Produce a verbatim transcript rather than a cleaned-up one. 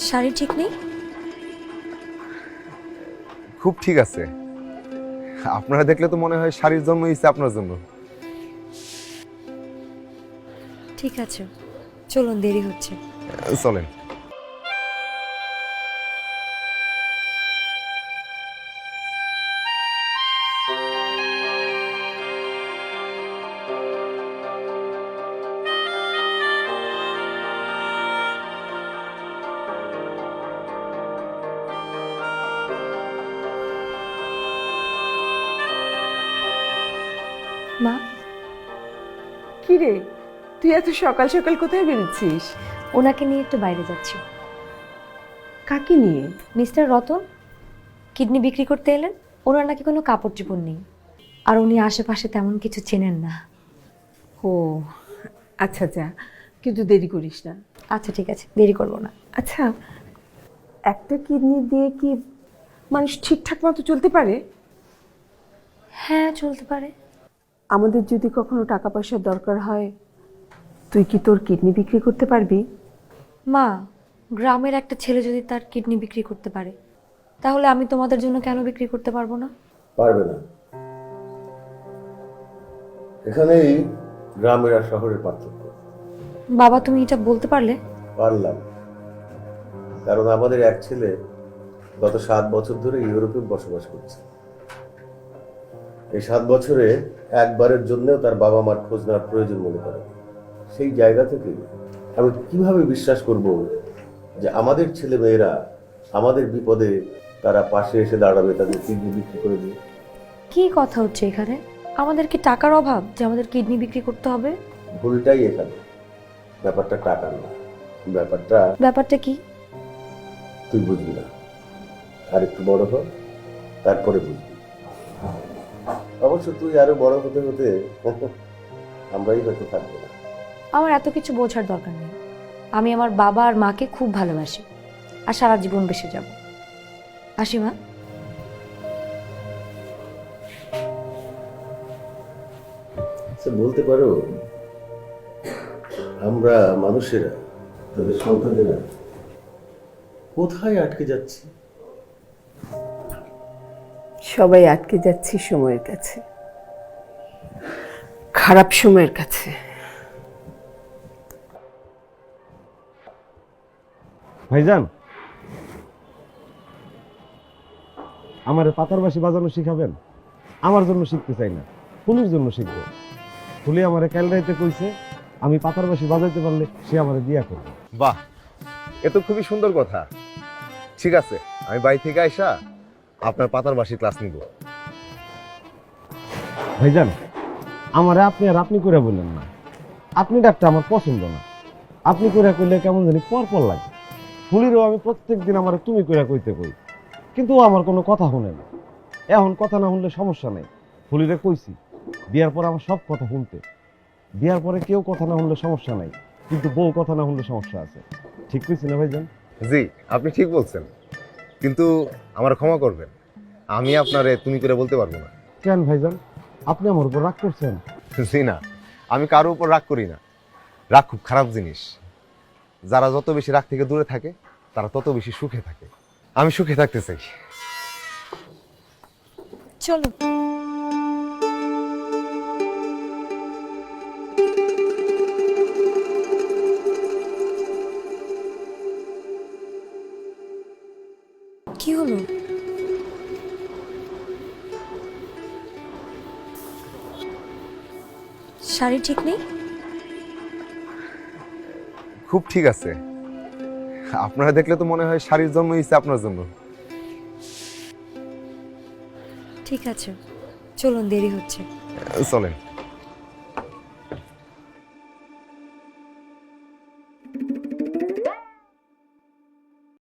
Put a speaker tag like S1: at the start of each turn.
S1: শাড়ি ঠিক নেই?
S2: খুব ঠিক আছে। আপনারা দেখলে তো মনে হয় শাড়ির জন্ম হয়েছে আপনার জন্য।
S1: ঠিক আছে, চলুন, দেরি হচ্ছে।
S2: চলেন।
S1: মা,
S3: কি রে, তুই এত সকাল সকাল কোথায় বেরোচ্ছিস?
S1: ওনাকে নিয়ে একটু বাইরে যাচ্ছি।
S3: কাকে নিয়ে?
S1: মিস্টার রতন কিডনি বিক্রি করতে এলেন। ওনার নাকি কোনো কাপড় চোপড় নেই, আর উনি আশেপাশে তেমন কিছু চেনেন না।
S3: ও আচ্ছা, যা, কিন্তু দেরি করিস না।
S1: আচ্ছা ঠিক আছে, দেরি করবো না।
S3: আচ্ছা, একটা কিডনি দিয়ে কি মানুষ ঠিকঠাক মতো চলতে পারে?
S1: হ্যাঁ, চলতে পারে।
S3: আমাদের যদি কখনো টাকা পয়সার দরকার হয়, তুই কি তোর কিডনি বিক্রি করতে পারবি?
S1: মা, গ্রামের একটা ছেলে যদি তার কিডনি বিক্রি করতে পারে, তাহলে আমি তোমাদের জন্য কেন বিক্রি করতে পারবো না?
S4: পারবে না। এখানেই গ্রামের আর শহরের পার্থক্য।
S1: বাবা, তুমি এটা বলতে পারলে?
S4: পারলাম, কারণ আমাদের এক ছেলে গত সাত বছর ধরে ইউরোপে বসবাস করছে। এই সাত বছরে একবারের জন্যও তার বাবা মার খোঁজ নেওয়ার প্রয়োজন মনে করে। সেই জায়গা থেকে আমি কিভাবে বিশ্বাস করব যে আমাদের ছেলে মেয়েরা আমাদের বিপদে তারা পাশে এসে দাঁড়াবে, তাদের কিডনি বিক্রি করে দিয়ে?
S1: কি কথা হচ্ছে এখানে? আমাদের কি টাকার অভাব যে আমাদের কিডনি বিক্রি করতে হবে?
S4: ভুলটাই এখানে। ব্যাপারটা টাকার না, ব্যাপারটা
S1: ব্যাপারটা কি?
S4: তুই বুঝবি না, আর একটু বড় হ, তারপরে বুঝবি। অবশ্য তুই আরো বড় হতে হতে আমরাই হয়তো থাকবো না।
S1: আমার এত কিছু বোঝার দরকার নেই। আমি আমার বাবা আর মাকে খুব ভালোবাসি, আর সারা জীবন বেঁচে যাব। আসি মা।
S4: আচ্ছা, বলতে পারো আমরা মানুষেরা, তাদের সন্তানেরা কোথায় আটকে যাচ্ছি?
S3: সবাই আটকে যাচ্ছি সময়ের কাছে, খারাপ সময়ের কাছে।
S5: ভাইজান, আমার পাতার বাঁশি বাজানো শিখাবেন? আমার জন্য শিখতে চাই না, ফুলির জন্য শিখবো। ফুলি আমার কাল রাইতে কইছে আমি পাতার বাঁশি বাজাইতে পারলে সে আমার বিয়া করবে।
S2: বাহ, এ তো খুবই সুন্দর কথা। ঠিক আছে, আমি বাড়ি থেকে আইসা আপনার পাতার বাঁশি ক্লাস নিব।
S5: ভাইজান, আমারে আপনি আর আপনি করে বললেন না। আপনি ডাকটা আমার পছন্দ না। আপনি করে কইলে কেমন জানি পর পর লাগে। ফুলিরও আমি প্রত্যেক দিন আমার তুমি করে কইতে কই, কিন্তু ও আমার কোনো কথা শুনে না। এখন কথা না শুনলে সমস্যা নেই, ফুলিরে কইছি বিয়ার পর আমার সব কথা শুনতে। বিয়ার পরে কেউ কথা না শুনলে সমস্যা নাই, কিন্তু বউ কথা না শুনলে সমস্যা আছে। ঠিক কইছি না ভাইজান?
S2: জি, আপনি ঠিক বলছেন, কিন্তু আমার ক্ষমা করবেন, আমি আপনারে তুমি করে বলতে পারবো না।
S5: কেন ভাইজান, আপনি আমার উপর রাগ করছেন?
S2: জি না, আমি কারো উপর রাগ করি না। রাগ খুব খারাপ জিনিস। যারা যত বেশি রাগ থেকে দূরে থাকে তারা তত বেশি সুখে থাকে। আমি সুখে থাকতে চাই।
S1: চলো। কি হলো? শাড়ি ঠিক নেই?
S2: খুব ঠিক আছে। আপনারা দেখলে তো মনে হয় শাড়ির জন্ম হয়েছে আপনার জন্য।
S1: ঠিক আছে, চলুন, দেরি হচ্ছে।
S2: চলেন।